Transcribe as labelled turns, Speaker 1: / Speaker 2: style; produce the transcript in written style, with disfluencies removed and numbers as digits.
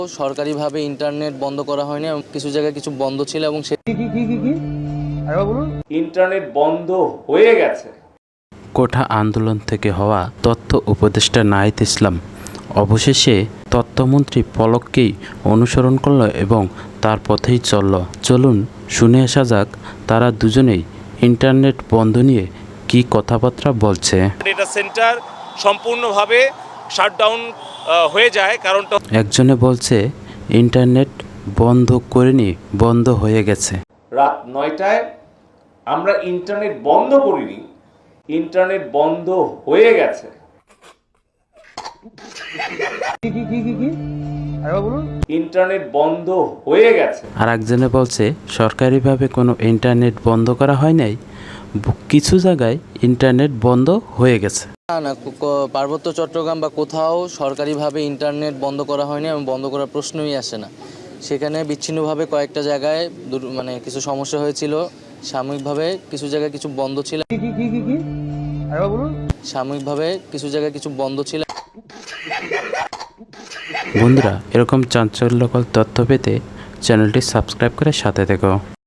Speaker 1: সরকারিভাবে ইন্টারনেট বন্ধ করা হয়নি এবং কিছু জায়গায় কিছু বন্ধ ছিল এবং
Speaker 2: ইন্টারনেট বন্ধ হয়ে গেছে।
Speaker 3: কোঠা আন্দোলন থেকে হওয়া তথ্য উপদেষ্টা নাহিদ ইসলাম অবশেষে তথ্যমন্ত্রী পলককেই অনুসরণ করল এবং তার পথেই চলল। চলুন শুনে আসা যাক তারা দুজনেই ইন্টারনেট বন্ধ নিয়ে কী কথাবার্তা বলছে।
Speaker 2: ডেটা সেন্টার সম্পূর্ণভাবে শাটডাউন হয়ে যায়, কারণটা
Speaker 3: একজনে বলছে ইন্টারনেট বন্ধ করেনি, বন্ধ হয়ে গেছে।
Speaker 2: রাত 9টায় আমরা ইন্টারনেট বন্ধ করিনি, ইন্টারনেট বন্ধ হয়ে গেছে। ইন্টারনেট বন্ধ হয়ে গেছে।
Speaker 3: আর একজনে বলছে সরকারিভাবে কোনো ইন্টারনেট বন্ধ করা হয় নাই, কিছু জায়গায় ইন্টারনেট বন্ধ হয়ে গেছে।
Speaker 1: না পার্বত্য চট্টগ্রাম বা কোথাও সরকারিভাবে ইন্টারনেট বন্ধ করা হয়নি এবং বন্ধ করার প্রশ্নই আসে না। সেখানে বিচ্ছিন্নভাবে কয়েকটা জায়গায় কিছু সমস্যা হয়েছিল। সাময়িকভাবে কিছু জায়গায় কিছু বন্ধ ছিল
Speaker 3: বন্ধুরা, এরকম চাঞ্চল্যকর তথ্য পেতে চ্যানেলটি সাবস্ক্রাইব করে সাথে থেকো।